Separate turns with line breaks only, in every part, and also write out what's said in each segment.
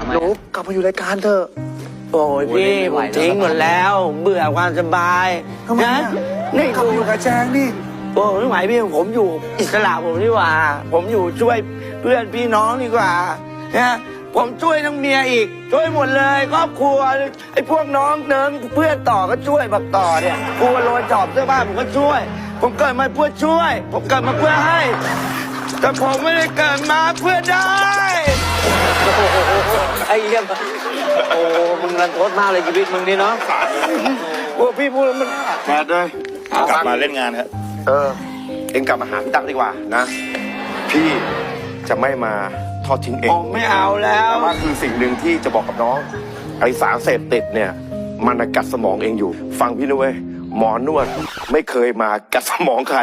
หนูกลับมาอยู่รายการเถอะ
โอ้ยพี่ผมทิ้งหมดแล้ว เบื่อความสบาย
ทำไม
นะ
อะ
นี่
กลับมาอยู่กับแจงนี่
โอ้ไม่ไหวพี่ผมอยู่อิสระผมดีกว่า ผมอยู่ช่วยเพื่อนพี่น้องดีกว่านะผมช่วยทั้งเมียอีก ช่วยหมดเลยครอบครัวไอ้พวกน้องเนิงเพื่อนต่อก็ช่วยบักต่อเนี่ยกลัวโรยจอบเสื้อผ้าผมก็ช่วย ผมเกิดมาเพื่อช่วย ผมเกิดมาเพื่อให้ แต่ผมไม่ได้เกิดมาเพื่อได้
ไอ้เหี้ยโอ้มึงรันทดมากเลยชีวิตมึงนี่เนาะ
โอ้พี่พูดแล้วมัน
แจงเลย
กลับมาเล่นงานครับ
เอ็งกลับมาหาพี่ตั๊กดีกว่านะ พี่จะไม่มาทอดทิ้งเอ็
ผ
ง
มไม่เอาแล้ว
แต่ว่าคือสิ่งหนึ่งที่จะบอกกับน้องไอสารเสพติดเนี่ยมันน่ะกัดสมองเองอยู่ ฟังพี่นะเว้ยหมอนวดไม่เคยมากัดสมองใคร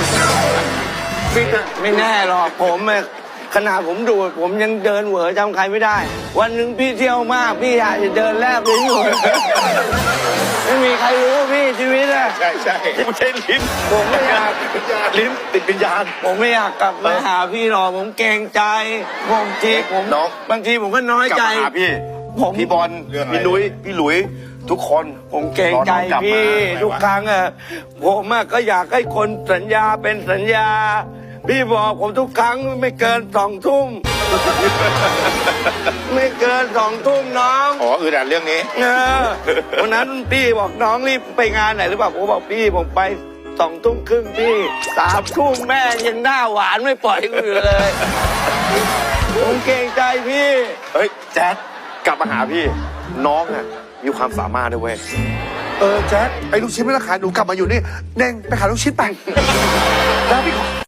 ไม่แน่หรอกผมอะขนาดผมดูดผมยังเดินเหวอจำใครไม่ได้ วันหนึ่งพี่เที่ยวมาก พี่อาจจะเดินแลบลิ้นอยู่ ไม่มีใครรู้พี่ชีวิตอะ
ใช่ใช่ไม่ใช่ลิ้น
ผมไม่อยาก
ลิ้นติดวิญญาณ
ผมไม่อยากกลับมาหาพี่หรอกผมเกรงใจผมทีผม
น้อง
บางทีผมก็น้อย
กลับ
ใจ
มาหาพี่
ผม
พี่บอลพี่นุ้ยพี่หลุยทุกคน
ผมเกรงใจ
รอน้องกลับมา
พี่ทุกครั้งอะผมอะก็อยากให้คนสัญญาเป็นสัญญา พี่บอกผมทุกครั้งไม่เกิน2 ทุ่ม ไม่เกิน2 ทุ่มน้อง
อ๋ออือดันเรื่องนี้
วันนั้นพี่บอกน้องรีบไปงานไหนหรือเปล่าผมบอกพี่ผมไป2 ทุ่มครึ่งพี่3 ทุ่มแม่ยังหน้าหวานไม่ปล่อยกูอยู่เลย ผมเกรงใจพี่
เฮ้ยแจ๊ดกลับมาหาพี่ น้องอ่ะมีความสามารถด้วยเว้ยแจ๊ดไอ้ลูกชิ้นไม่ต้องขายหนูกลับมาอยู่นี่เน่งไปขายลูกชิ้นไปแล้วพี่